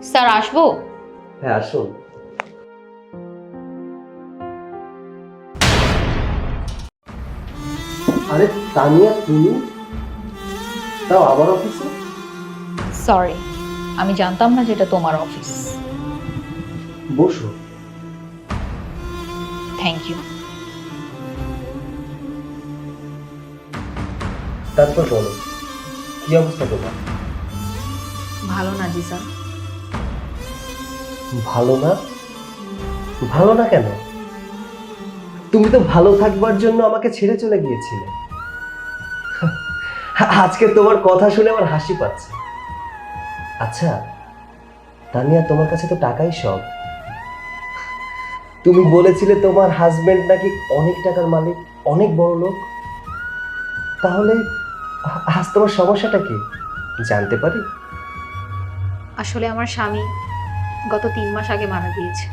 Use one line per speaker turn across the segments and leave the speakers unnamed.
Sir আসবো?
হ্যাঁ আসুন। আরে তানিয়া, তুমি তাও আমার অফিসে?
সরি, আমি জানতাম না যেটা তোমার অফিস।
বসো।
Thank you.
তারপর বলো, কি অবস্থা তোমার?
ভালো না জি স্যার।
ভালো না? ভালো না কেন? তুমি তো ভালো থাকবার জন্য আমাকে ছেড়ে চলে গিয়েছিলে। আজকে তোমার কথা শুনে আমার হাসি পাচ্ছে। আচ্ছা তানিয়া, তোমার কাছে তো টাকাই সব। তুমি বলেছিলে তোমার হাজবেন্ড নাকি অনেক টাকার মালিক, অনেক বড় লোক। তাহলে আজ তোমার সমস্যাটা কি জানতে পারি?
আসলে আমার স্বামী গত 3 মাস আগে মারা গিয়েছে।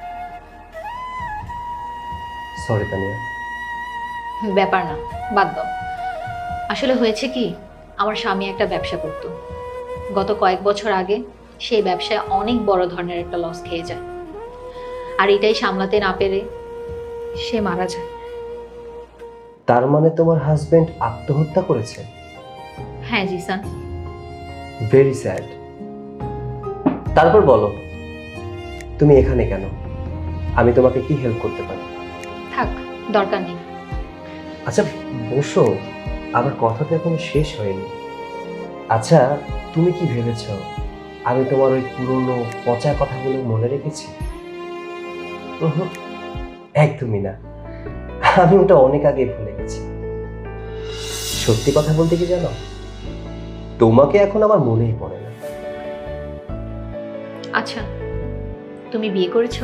সরি তানিয়া।
ব্যাপার না, বাদ দাও। আসলে হয়েছে কি, আমার স্বামী একটা ব্যবসা করত। গত কয়েক বছর আগে সেই ব্যবসায় অনেক বড় ধরনের একটা লস খেয়ে যায়, আর এটাই সামলাতে না পেরে সে মারা যায়।
তার মানে তোমার হাজবেন্ড আত্মহত্যা করেছে?
হ্যাঁ জিসান।
Very sad. তারপর বলো, তুমি এখানে কেন? আমি তোমাকে কি হেল্প করতে পারি?
থাক, দরকার নেই।
আচ্ছা বসো, আমার কথা তো এখনো শেষ হয়নি। আচ্ছা, তুমি কি ভেবেছ আমি তোমার ওই পুরনো পচা কথাগুলো মনে রেখেছি? উহুম, একদমই না। আমি ওটা অনেক আগে ভুলে গেছি। সত্যি কথা বলতে কি জানো, তোমাকে এখন আমার মনেই পড়ে না।
আচ্ছা, তুমি বিয়ে করেছো?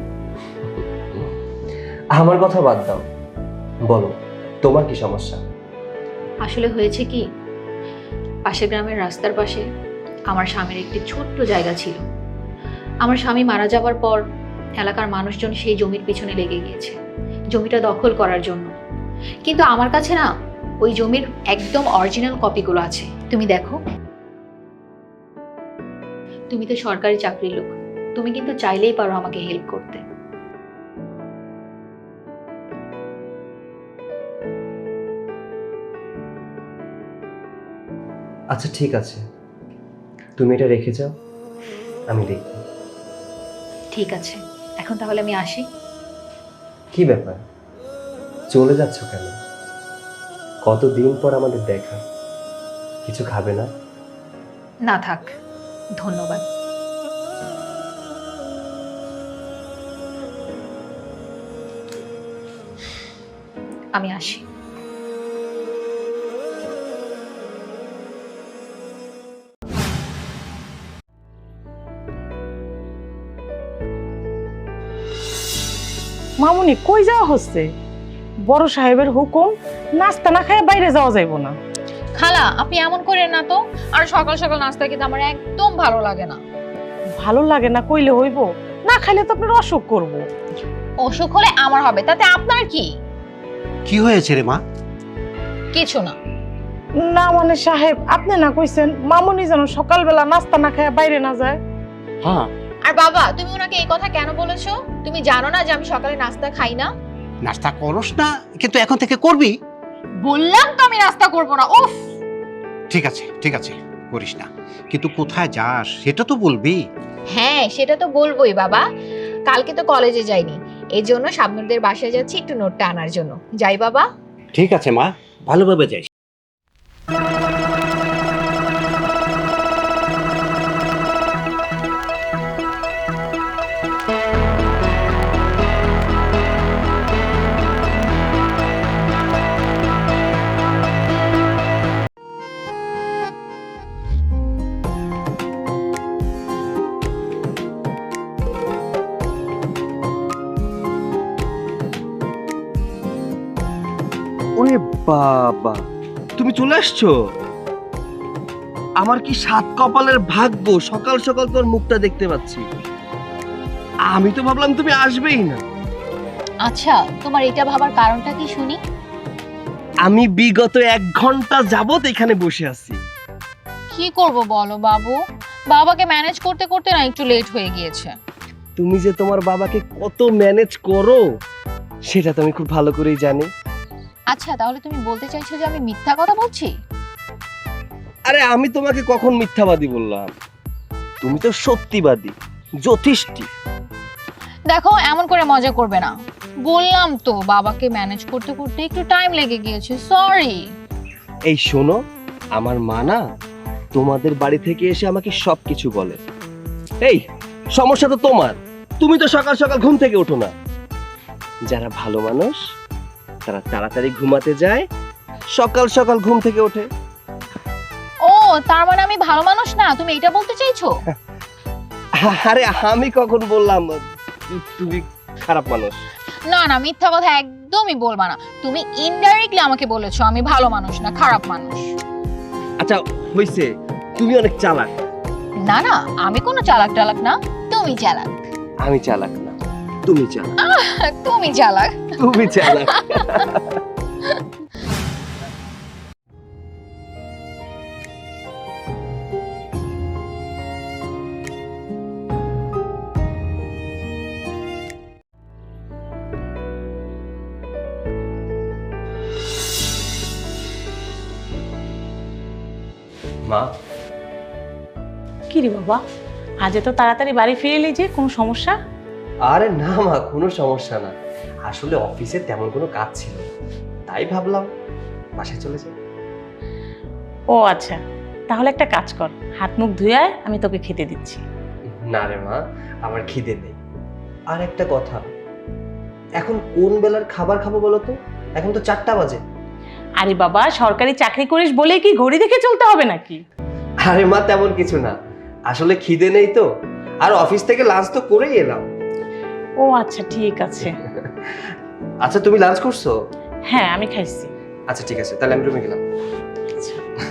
আমার কথা বাদ দাও, বলো তোমার কি সমস্যা?
আসলে হয়েছে কি, পাশের গ্রামের রাস্তার পাশে আমার স্বামীর একটি ছোট্ট জায়গা ছিল। আমার স্বামী মারা যাবার পর এলাকার মানুষজন সেই জমির পিছনে লেগে গিয়েছে জমিটা দখল করার জন্য। কিন্তু আমার কাছে না ওই জমির একদম অরিজিনাল কপিগুলো আছে, তুমি দেখো। তুমি তো সরকারি চাকরির লোক, তুমি কিন্তু চাইলেই পারো আমাকে হেল্প করতে।
আচ্ছা ঠিক আছে, তুমি এটা রেখে যাও, আমি দেখব।
ঠিক আছে, এখন তাহলে আমি আসি।
কি ব্যাপার, চলে যাচ্ছ কেন? কতদিন পর আমাদের দেখা, কিছু খাবে না?
না থাক, ধন্যবাদ। আমি আসি।
মামুনি কই যাওয়া হচ্ছে? বড় সাহেবের হুকুম, নাস্তা না খেয়ে বাইরে যাওয়া যাইব না।
খালা, আপনি এমন করেন না তো। আর সকাল সকাল নাস্তা কিন্তু আমার একদম ভালো লাগে না।
ভালো লাগে না কইলে হইব? না খাইলে তো আপনার অসুখ করব।
অসুখ হলে আমার হবে, তাতে আপনার কি?
কি হয়েছে রে মা?
কিছু না।
না মানে সাহেব, আপনি না কইছেন মামুনি যেন সকালবেলা নাস্তা না খেয়ে বাইরে না যায়।
হ্যাঁ,
আর বাবা, তুমি ওনাকে এই কথা কেন বলেছো? তুমি জানো না যে আমি সকালে নাস্তা খাই না?
নাস্তা করস না কিন্তু এখন থেকে করবি।
বললাম তো আমি নাস্তা করব না। উফ।
ঠিক আছে ঠিক আছে, করিস না, কিন্তু কোথায় যাস সেটা তো বলবি।
হ্যাঁ, সেটা তো বলবোই বাবা। কালকে তো কলেজে যাইনি, এই জন্য শাবনুরদের বাসায় যাচ্ছি একটু নোটটা আনার জন্য। যাই বাবা।
ঠিক আছে মা, ভালোভাবে যাইস।
ওরে বাবা, তুমি চলে আসছো? আমার কি সাত কপালের ভাগ্য, সকাল সকাল তোর মুখটা দেখতে পাচ্ছি। আমি তো ভাবলাম তুমি আসবেই না।
আচ্ছা, তোমার এটা ভাবার কারণটা কি শুনি?
আমি বিগত 1 ঘন্টা যাবত এখানে বসে আছি।
কি করব বলো বাবু, বাবাকে ম্যানেজ করতে করতে না একটু লেট হয়ে গিয়েছে।
তুমি যে তোমার বাবাকে কত ম্যানেজ করো সেটা তো আমি খুব ভালো করেই জানি।
আচ্ছা, তাহলে তুমি বলতে চাইছো যে আমি মিথ্যা কথা বলছি?
আরে আমি তোমাকে কখন মিথ্যাবাদী বললাম? তুমি তো সত্যিবাদী, যথেষ্ট।
দেখো, এমন করে মজা করবে না। বললাম তো বাবাকে ম্যানেজ করতে করতে একটু টাইম লেগে গিয়েছে, সরি।
এই শোনো, আমার মা না তোমাদের বাড়ি থেকে এসে আমাকে সবকিছু বলে। এই সমস্যা তো তোমার, তুমি তো সকাল সকাল ঘুম থেকে ওঠো না। যারা ভালো মানুষ তারা তাড়াতাড়ি ঘুমাতে যায়, সকাল সকাল ঘুম থেকে ওঠে।
ও, তার মানে আমি ভালো মানুষ না, তুমি এটা বলতে চাইছো?
আরে আমি কখন বললাম তুমি খারাপ মানুষ?
না না, মিথ্যা কথা একদমই বলবা না। তুমি ইনডাইরেক্টলি আমাকে বলেছো আমি ভালো মানুষ না, খারাপ মানুষ।
আচ্ছা হইছে, তুমি অনেক চালাক।
না না, আমি কোনো চালাক টালাক না, তুমি চালাক।
আমি চালাক না, তুমি চালাক।
তুমি চালাক।
তুমি চালাক।
মা,
কি রে বাবা, আজ এত তাড়াতাড়ি বাড়ি ফিরে এলি যে, কোনো সমস্যা?
আরে না মা, কোনো সমস্যা না। আসলে অফিসে তেমন কোনো কাজ ছিল না, তাই ভাবলাম বাসায় চলে যাই।
ও আচ্ছা, তাহলে একটা কাজ কর, হাত মুখ ধুয়ে আয়, আমি তোকে খেতে দিচ্ছি।
না রে মা, আমার খিদে নেই। আর একটা কথা, এখন কোন বেলার খাবার খাবো বলো তো? এখন তো 4টা বাজে।
আরে বাবা, সরকারি চাকরি করিস বলে কি ঘড়ি দেখে চলতে হবে নাকি?
আরে মা, তেমন কিছু না, আসলে খিদে নেই তো। আর অফিস থেকে লাঞ্চ তো করেই এলাম।
ও আচ্ছা, ঠিক আছে।
আচ্ছা, তুমি লাঞ্চ করছো?
হ্যাঁ, আমি খাইছি।
আচ্ছা ঠিক আছে, তাহলে আমি রুমে গেলাম।
আচ্ছা।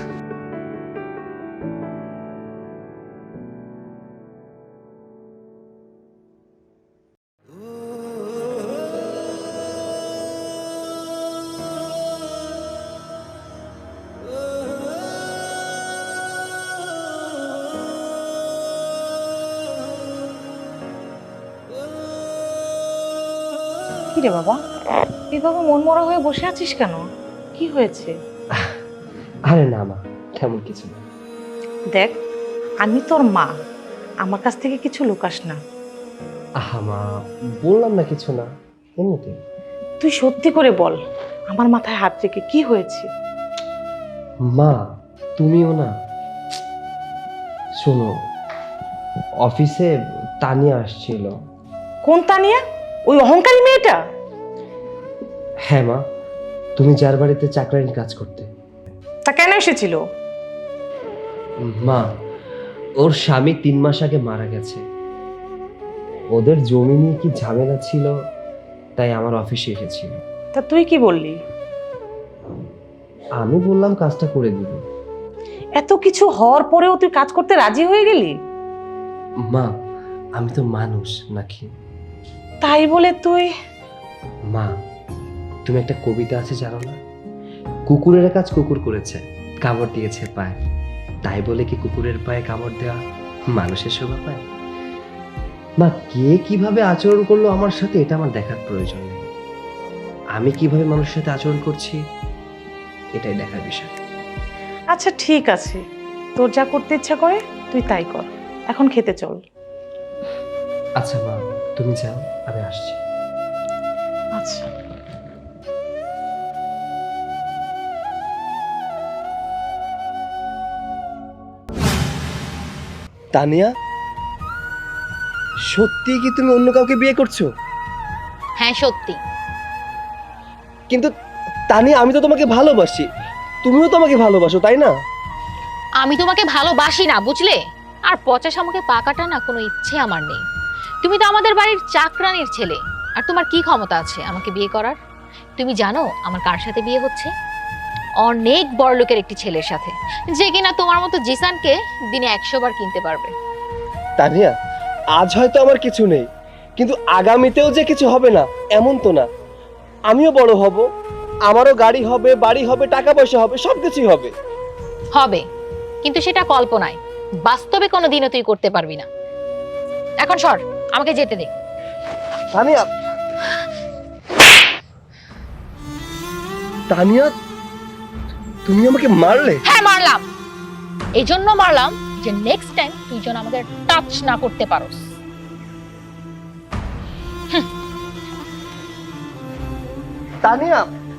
কি রে বাবা, এভাবে মনমরা হয়ে বসে আছিস কেন? কি হয়েছে?
আরে না মা, তেমন কিছু না।
দেখ, আমি তোর মা, আমার কাছ থেকে কিছু লুকাস না।
আহা মা, বললাম না কিছু না, এমনিতে।
তুই সত্যি করে বল, আমার মাথায় হাত রেখে কি হয়েছে?
মা, তুমিও না। শোনো, অফিসে তানিয়া আসছিল।
কোন তানিয়া? ওই অহংকারী মেয়েটা?
হ্যাঁ মা, তুমি যার বাড়িতে চাকরানি কাজ করতে।
তা কেন এসেছিল?
মা, ওর স্বামী 3 মাস আগে মারা গেছে। ওদের জমি নিয়ে কি ঝামেলা ছিল, তাই আমার অফিসে এসেছিল।
তা তুই কি বললি?
আমি বললাম কাজটা করে দিব।
এত কিছু হওয়ার পরেও তুই কাজ করতে রাজি হয়ে গেলি?
মা, আমি তো মানুষ নাকি?
তাই বলে তুই?
মা, তুমি একটা কবিতা আছে জানো না? কুকুরের কাজ কুকুর করেছে, কামড় দিয়েছে পায়ে, তাই বলে কি কুকুরের পায়ে কামড় দেওয়া মানুষের শোভা পায়? মা, কে কিভাবে আচরণ করলো আমার সাথে এটা আমার দেখার প্রয়োজন নেই। আমি কিভাবে মানুষের সাথে আচরণ করছি এটাই দেখার বিষয়।
আচ্ছা ঠিক আছে, তোর যা করতে ইচ্ছা করে তুই তাই কর, এখন খেতে চল।
আচ্ছা মা, তুমি যাও, আমি আসছি।
আচ্ছা।
তানিয়া, সত্যি কি তুমি অন্য কাউকে বিয়ে করছো?
হ্যাঁ সত্যি।
কিন্তু তানিয়া, আমি তো তোমাকে ভালোবাসি, তুমিও তো আমাকে ভালোবাসো, তাই না?
আমি তোমাকে ভালোবাসি না, বুঝলে? আর পচা শামুকে পাকাটা না কোনো ইচ্ছে আমার নেই। তুমি তো আমাদের বাড়ির চাকরানির ছেলে, আর তোমার কি ক্ষমতা আছে আমাকে বিয়ে করার? তুমি জানো আমার কার সাথে বিয়ে হচ্ছে? অনেক বড়লোকের একটি ছেলের সাথে, যে কিনা তোমার মতো জিসানকে দিনে 100 বার কিনতে পারবে।
তানিয়া, আজ হয়তো আমার কিছু নেই, কিন্তু আগামীতেও যে কিছু হবে না এমন তো না। আমিও বড় হব, আমারও গাড়ি হবে, বাড়ি হবে, টাকা পয়সা হবে, সবকিছুই হবে।
হবে, কিন্তু সেটা কল্পনায়। বাস্তবে কোনোদিনও তুই করতে পারবি না। এখন সর, আমাকে যেতে দে।
তানিয়া, তানিয়া, তুমি আমাকে মারলে?
হ্যাঁ মারলাম, এই জন্য মারলাম যে নেক্সট টাইম তুই যেন আমাকে টাচ না করতে পারোস।
তানিয়া,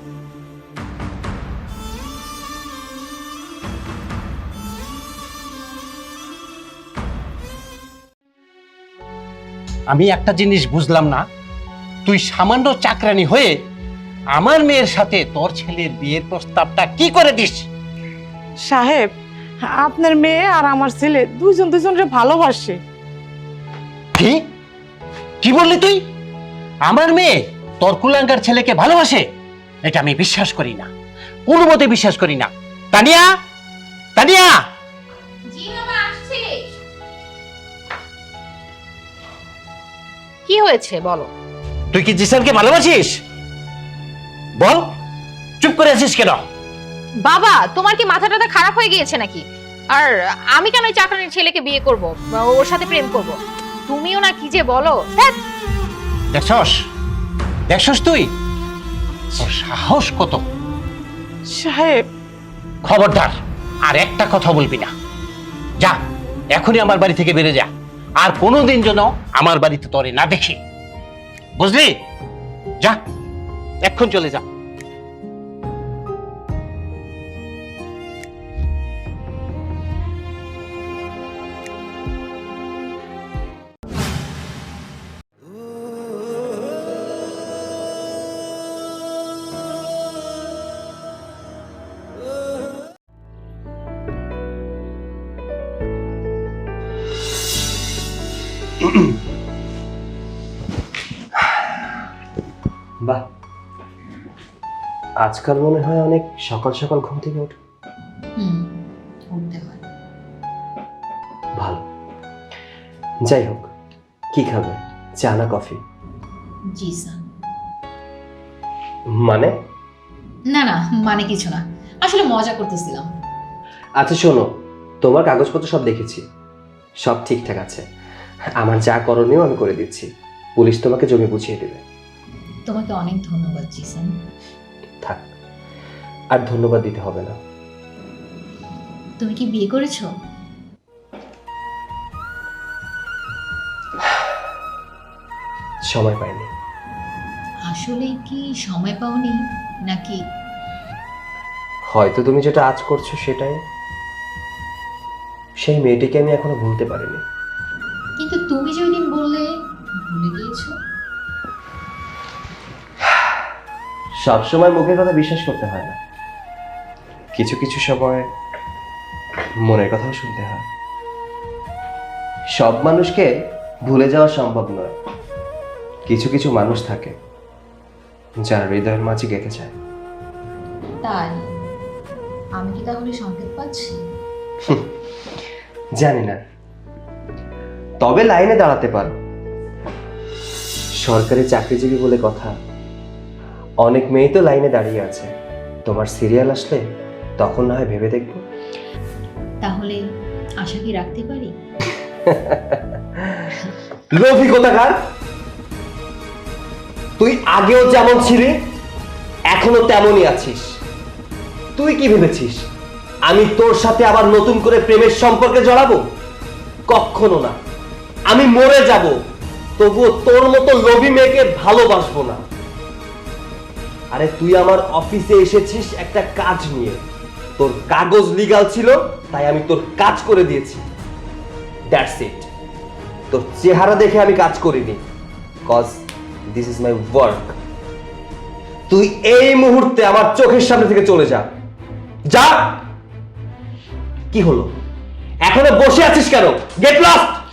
আমি একটা জিনিস বুঝলাম না, তুই সামান্য চাকরানি হয়ে আমার মেয়ের সাথে তোর ছেলের বিয়ের প্রস্তাবটা কি করে দিস?
সাহেব, আপনার মেয়ে আর আমার ছেলে দুইজন দুজনকে ভালোবাসে।
কি কি বললি তুই? আমার মেয়ে তোর কুলাঙ্গার ছেলেকে ভালোবাসে? এটা আমি বিশ্বাস করি না, কোনো মতে বিশ্বাস করি না। তানিয়া, তানিয়া,
কি হয়েছে বলো?
তুই কি জিসানকে ভালোবাসিস? বল, চুপ করে আছিস কেন?
বাবা, তোমার কি মাথা টাথা খারাপ হয়ে গিয়েছে নাকি? আর আমি কেন ওই চাকরানির ছেলেকে বিয়ে করব বা ওর সাথে প্রেম করব? তুমিও না কি যে বলো। ধ্যাৎ।
দেখছস, দেখছস তুই তোর সাহস কত!
সাহেব,
খবরদার আর একটা কথা বলবি না। যা, এখনই আমার বাড়ি থেকে বেরিয়ে যা, আর কোনোদিন যেন আমার বাড়িতে তোরে না দেখি, বুঝলি? যা, এখন চলে যা।
বাহ, আজকাল মনে হয় অনেক সকাল সকাল ঘুম থেকে ওঠো।
উঠতে হয়।
ভালো। যাই হোক, কি খাবে, চা না কফি?
জি স্যার।
মানে?
না না, মানে কিছু না, আসলে মজা করতেছিলাম।
আচ্ছা শোনো, তোমার কাগজপত্র সব দেখেছি, সব ঠিকঠাক আছে। আমার যা করণীয় আমি করে দিচ্ছি, পুলিশ তোমাকে জমি বুঝিয়ে দেবে।
তোমাকে অনেক ধন্যবাদ জিসান।
থাক, আর ধন্যবাদ দিতে হবে না।
তুমি কি বিয়ে করেছো?
সময় পাইনি।
আসলে কি সময় পাওনি নাকি?
হয়তো তুমি যেটা আজ করছো সেটাই। সেই মেয়েটিকে আমি এখনো ভুলতে পারিনি।
কিন্তু তুমি যে ওই দিন বললে ভুলে গিয়েছো।
সবসময় মুখের কথা বিশ্বাস করতে হয় না, কিছু কিছু সময় মনের কথাও শুনতে হয়। সব মানুষকে ভুলে যাওয়া সম্ভব নয়, কিছু কিছু মানুষ থাকে যারা হৃদয়ের মাঝে গেঁথে যায়।
তাই আমি কি তাহলে সংকেত পাচ্ছি?
জানি না, তবে লাইনে দাঁড়াতে পারো। সরকারি চাকরিজীবী বলে কথা, অনেক মেয়ে তো লাইনে দাঁড়িয়ে আছে। তোমার সিরিয়াল আসলে তখন না হয় ভেবে দেখবো।
তাহলে আশা কি রাখতে পারি?
লোভী কোথাকার! তুই আগেও যেমন ছিলি এখনো তেমনই আছিস। তুই কি ভেবেছিস আমি তোর সাথে আবার নতুন করে প্রেমের সম্পর্কে জড়াবো? কখনো না। আমি মরে যাব, তবুও তোর মতো লোভী মেয়েকে ভালোবাসবো না। আরে তুই আমার অফিসে এসেছিস একটা কাজ নিয়ে, তোর কাগজ লিগ্যাল ছিল তাই আমি তোর কাজ করে দিয়েছি, দ্যাটস ইট। তোর চেহারা দেখে আমি কাজ করিনি, cause this is my work. তুই এই মুহূর্তে আমার চোখের সামনে থেকে চলে যা, যা। কি হলো, এখনো বসে আছিস কেন? Get lost.